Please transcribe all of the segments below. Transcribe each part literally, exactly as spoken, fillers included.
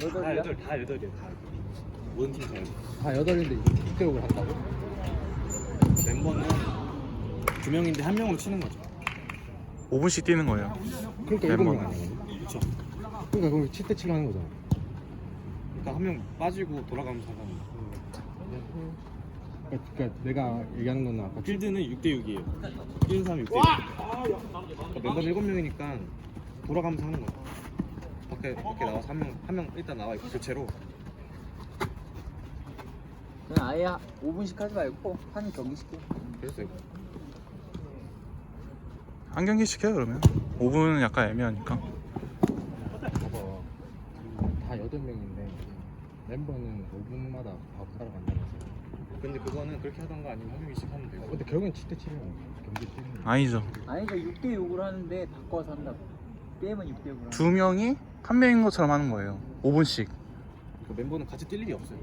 여덟이야? 여덟, 다 여덟이야. 다. 모든 팀 다 여덟. 다 여덟인데 육 대 육을 한다고? 멤버는 두 명인데 한 명으로 치는 거죠. 오 분씩 뛰는 거예요. 그러니까 일곱 명 멤버는. 아니야? 그렇죠. 그러니까 그럼 칠 대 칠로 하는 거잖아. 그러니까 한 명 빠지고 돌아가면서 하는 거. 그러니까, 그러니까 내가 얘기하는 건 아까 필드는 육 대 육이에요. 뛰는 사람이 육 대 육. 그러니까 멤버는 일곱 명이니까 돌아가면서 하는 거야. 밖에 밖에 나와서 한 명 한 명 일단 나와 있고 교체로. 그냥 아예 오 분씩 하지 말고 한 경기씩 해. 됐어요. 한 경기씩 해요 그러면. 오 분은 약간 애매하니까. 봐봐. 다 여덟 명인데 멤버는 오 분마다 밥 사러 간다면서. 근데 그거는 그렇게 하던가 아니면 한 명씩 하면 되고. 근데 결국엔 칠 대 칠이야. 경기 뛰는 거. 아니죠. 아니 그러니까 육 대 육으로 하는데 바꿔서 한다고. 게임은 육 대 육으로 두 명이 한 명인 것처럼 하는 거예요. 오 분씩. 그 멤버는 같이 뛸 일이 없어요.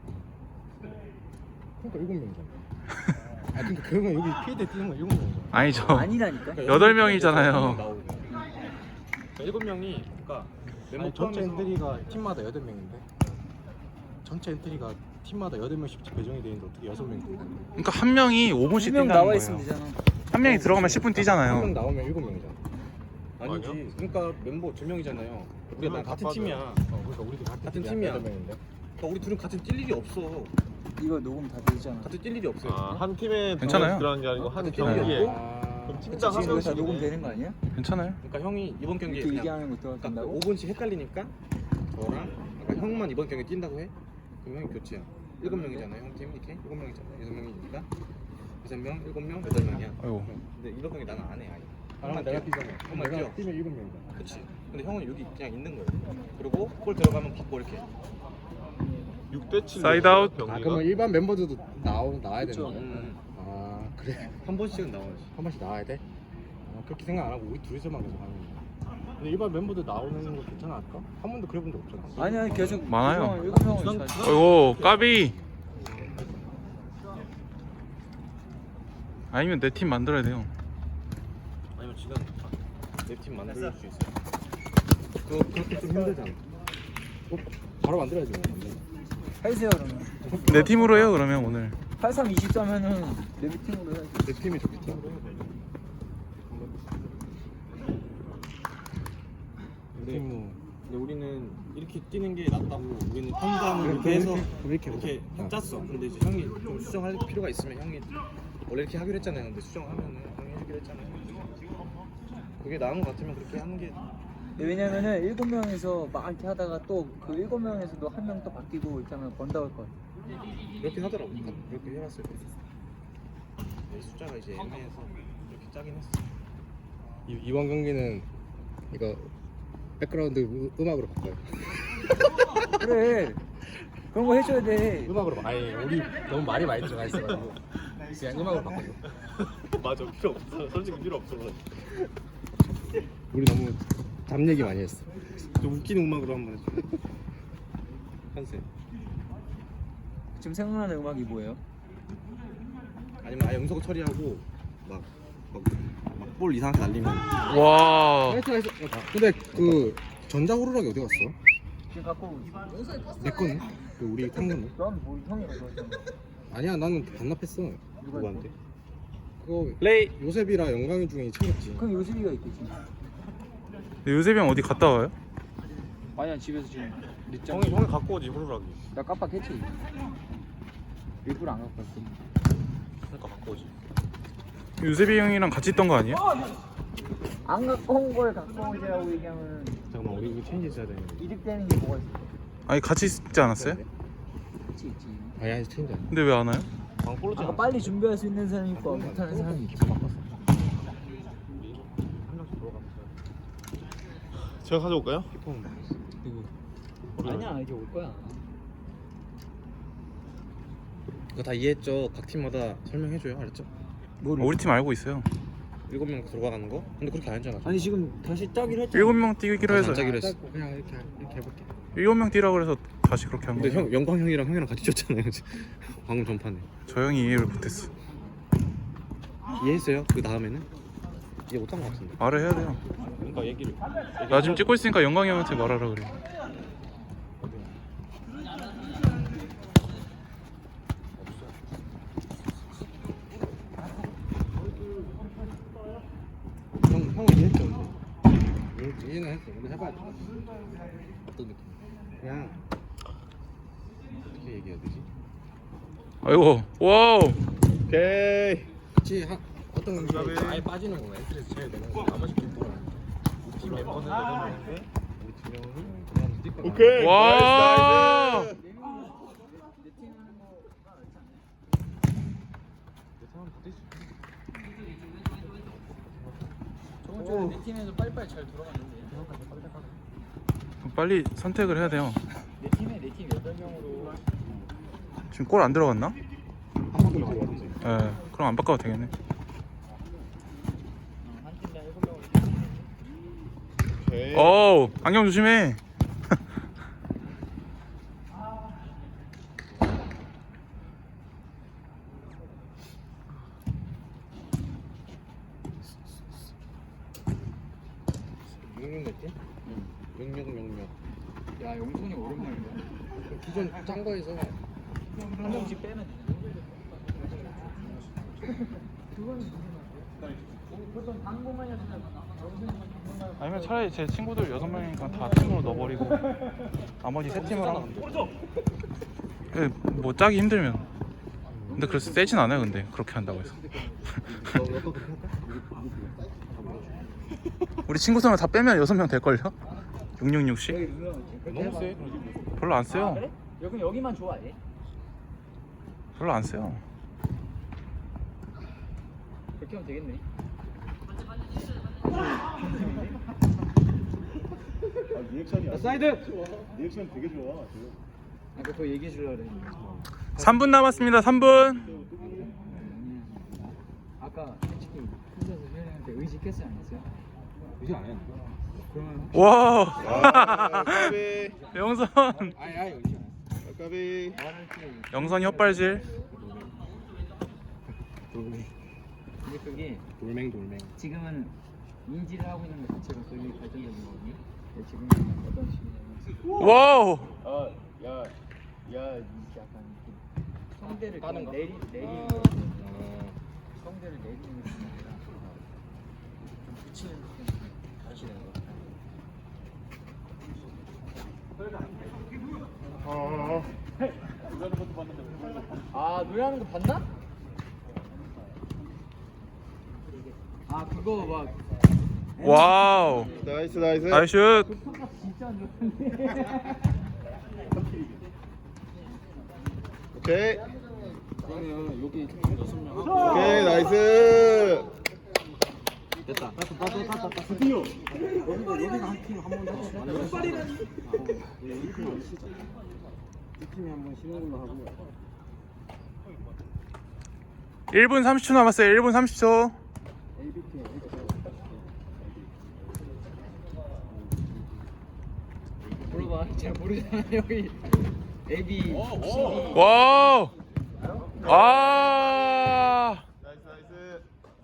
그러니까 일곱 명이잖아. 아 그러니까 그러면 여기 피해대 뛰는 거 일곱 명이잖아. 아니죠. 아니라니까. 여덟 명이잖아요. 나오고. 그러니까 일곱 명이 그러니까 멤버 아니, 전체 포함해서 엔트리가 팀마다 여덟 명인데 전체 엔트리가 팀마다 여덟 명씩 배정이 돼 있는데 어떻게 여섯 명이 돼? 그러니까 한 명이 오 분씩 두명 뛴다는 나와 거예요. 있으면 되잖아. 한 명이 들어가면 십 분 한 명 뛰잖아요. 나오면 일곱 명이잖아. 아니지. 그러니까 멤버 두 명이잖아요. 우리가 난 같은 다 팀이야. 어, 그러니까 우리도 같은 팀이야. 여덟 명인데. 그러니까 우리 둘은 같은 뛸 일이 없어. 이거 녹음 다 되잖아. 같은 뛸 일이 없어요. 아, 한 팀에 괜찮아요. 들어가는 게 아니고 한 같은 경기에. 팀이었고. 아, 그럼 그치, 팀당 한 지금 이거 다 명씩. 녹음 되는 거 아니야? 괜찮아요. 그러니까 형이 이번 경기에 이렇게 그냥 얘기하는 거 그러니까 들어간다고? 오 분씩 헷갈리니까 저랑 아까 형만 이번 경기 뛴다고 해? 그럼 형이 교체야. 일곱 명이잖아요. 형 팀 이렇게 일곱 명이잖아. 여섯 명이니까 여섯 명, 일곱 명, 여덟 명이야. 아이고. 근데 이번 경기 나는 안 해. 아예. 아, 형만 내가 뛰어. 뛰잖아. 형만 내가 뛰어. 뛰면 일곱 명이잖아. 그렇지. 근데 형은 여기 그냥 있는 거예요. 그리고 골 들어가면 받고 이렇게. 육 대 칠. 사이드 아웃. 아 그러면 일반 멤버들도 나오 나와야 되는 그쵸. 거야? 음, 아 그래 한 번씩은 나와야지. 한 번씩 나와야 돼? 아, 그렇게 생각 안 하고 우리 둘이서만 계속 하는 거야. 근데 일반 멤버들 나오는 거 괜찮아 할까? 한 번도 그래본 적 없잖아. 아니 아니 계속 많아요. 일곱 명을 잘. 아이고 까비. 아니면 내 팀 만들어야 돼요. 아니면 지금 내 팀 만들 수 있어. 그거 그렇게 좀 힘들잖아. 어, 바로 만들어야지. 뭐. 해주세요 그러면. 내 팀으로 해요 그러면 오늘. 팔삼 이십사면은 내 팀으로 해야지. 내 팀이 좋겠다. 근데, 팀 근데 우리는 이렇게 뛰는 게 낫다고 우리는 판단을 이렇게 해서 이렇게 이렇게 어. 짰어. 근데 이제 형이 좀 수정할 필요가 있으면 형이 원래 이렇게 하기로 했잖아요. 근데 수정하면은 형이 해주기로 했잖아요. 그게 나은 것 같으면 그렇게 하는 게 왜냐면은 일곱 명에서 막 이렇게 하다가 또 그 일곱 명에서도 한 명 또 바뀌고 있다면 번다올 거. 그렇게 하더라고. 그렇게 해봤을 때 네, 숫자가 이제 애매해서 이렇게 짜긴 했어. 이, 이번 경기는 이거 백그라운드 음- 음악으로 바꿔요. 그래. 그런 거 해줘야 돼. 음악으로 바- 아니 우리 너무 말이 많이 들어가 있어가지고 그냥 음악으로 바꿔요. 맞아, 필요 없어. 솔직히 필요 없어. 우리 너무 잡 얘기 많이 했어. 좀 웃기는 음악으로 한번 해줘. 컨셉. 지금 생각나는 음악이 뭐예요? 아니면 아예 음성 처리하고 막막볼 이상하게 날리면 와. 나이스 나이스. 근데 그 전자호루라기 어디 갔어? 지금 갖고 오고 있어. 내 거는? 그 우리 탄 거는? 넌 뭐 형이랑 그러잖아. 아니야 나는 반납했어. 누구한테? 그거 레이. 요셉이랑 영광이 중에 챙겼지. 그럼 요셉이가 있겠지. 요셉이 형 어디 갔다 와요? 아니야 집에서 지금 늦잠. 형이 형이 갖고 오지 호루라기. 나 깜빡했지. 일부러 안 갖고 왔지. 그러니까 갖고 오지. 요셉이 형이랑 같이 있던 거 아니에요? 안 갖고 온 걸 갖고 오지라고 얘기하면 잠깐만, 우리 이거 체인지 있어야 되는데. 이득되는 게 뭐가 있어? 아니 같이 있지 않았어요? 있지 있지. 아니 아니 체인지 아니야. 근데 왜 안 와요? 방골로 아까 빨리 준비할 수 있는 사람이 있고 못하는 사람이 있지. 한 명씩 들어가면서 제가 가져올까요? 키퍼는 바꿨어. 누구? 아니야 이제 올 거야. 이거 다 이해했죠? 각 팀마다 설명해줘요, 알았죠? 어, 우리 팀 알고 있어요. 일곱 명 들어가는 거? 근데 그렇게 안 했잖아. 아니 지금 다시 짜기로 했잖아. 일곱 명 뛰기로 해서 안 짜기로 했어. 짧고 그냥 이렇게 이렇게 해볼게. 일곱 명 뛰라고 그래서 다시 그렇게 한 근데 거예요. 형 영광 형이랑 형이랑 같이 쳤잖아요. 방금 전판에. 저 형이 이해를 못했어. 이해했어요? 그 다음에는 이해 못한 것 같은데. 말을 해야 돼요. 그러니까 얘기를. 나 지금 찍고 있으니까 영광이 형한테 말하라 그래. 형은 이해했죠 근데. 이해는 했어. 근데 해봐야 돼. 어떤 느낌? 그냥 어떻게 얘기해야 되지? 아이고 와우. 오케이. 그치 한 어떤 게 아예 빠지는 거야. 스트레스 제일 되는 거. 나머지 팀 돌아. 우리 팀 멤버들 여덟 명인데 우리 두 명은 그냥 뛰거나. 오케이. 와. 나이스, 나이스. 저번 주에 내 팀에서 빨리빨리 잘 돌아갔는데 빨리 선택을 해야 돼요. 내 팀에 내 팀 여덟 명으로 지금 골 안 들어갔나? 한 번도 들어갔지. 예. 그럼 안 바꿔도 되겠네. 한 팀당 일곱 명으로 오케이. 어우 안경 조심해. 육육 냈지? 응. 육육 육육. 야 용선이 오랜만이야 기존 짠 거에서 한 명씩 빼면 되냐 보통 당구만이었으면 아니면 차라리 제 친구들 여섯 명이니까 다 팀으로 넣어버리고 나머지 세 팀을 하나. 예, 뭐 짜기 힘들면. 근데 그래서 세진 않아요. 근데 그렇게 한다고 해서. 우리 친구 수를 다 빼면 여섯 명 될걸요? 육육육씩? 여기 누르면 너무 세. 별로 안 세요. 아, 그래? 여기 여기만 좋아해 별로 안 세요. 그렇게 하면 되겠네 리액션이 사이드. 리액션 되게 좋아. 아까 그거 얘기해 주려고 그랬는데 삼 분 남았습니다. 삼 분. 아까 솔직히 혼자서 혜연이한테 의식했어 안 했어요? 이제 안 해. 그러면 와. 아, 까비. 영선. 아예 아예 의지 안 했어. 까비. 말할 때 영선이 헛발질. 돌멩 근데 그게 돌멩 돌멩. 지금은 인지를 하고 있는 것 자체가 되게 발전적인 거거든요 근데 지금 어떤 식이냐면 와우. 어, 야, 야, 이렇게 약간 이렇게 성대를 까는 거? 내리 내리는 아. 거, 어. 성대를 내리는 게 아니라 좀 붙이는 느낌 다시 되는 거. 아 노래하는 거 봤나? 아 그거 막 와우. 나이스, 나이스. 나이스 슛. 평가 진짜 안 좋았는데. 오케이. 그러면 여기 총 여섯 명 하고 오케이, 나이스. 됐다. 드디어. 여기가 여기가 한 팀 한 번 더 치자. 이 팀이 한번 쉬는 걸로 하고. 일 분 삼십 초 남았어요. 일 분 삼십 초. 에이비티 물어봐 잘 모르잖아 여기 A B C D 와우. 아. 나이스, 나이스.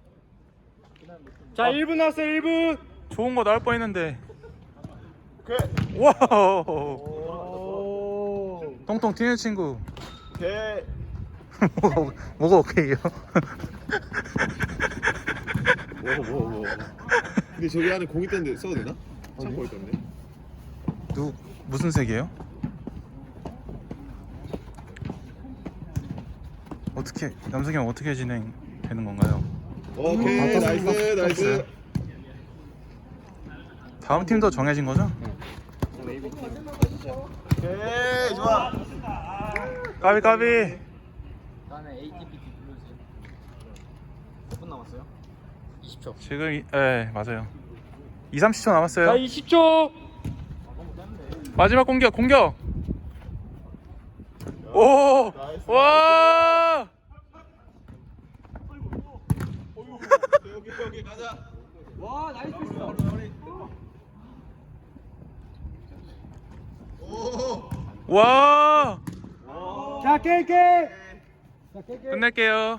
자, 일 분 남았어요. 일 분. 좋은 거 나올 뻔했는데. 오케이. 와우. 오. 통통 튀는 친구. 오케이. 뭐가 뭐가 오케이요? 뭐, 뭐, 뭐. 근데 저기 안에 공 있던데 써도 되나? 참고 있던데. 누 무슨 색이에요? 어떻게 남석이 형 어떻게 진행되는 건가요? 오케이, 나이스, 나이스. 다음 팀도 정해진 거죠? 오케이, 좋아. 까비 까비. 다음에 A T B T 불러주세요 몇 분 남았어요? 이십 초 지금 이, 예 맞아요. 이, 삼십 초 남았어요. 자 이십 초 마지막 공격 공격. 오! 와! 여기, 여기 가자. 와 나이스 오. 와! 자, 깨깨. 끝낼게요.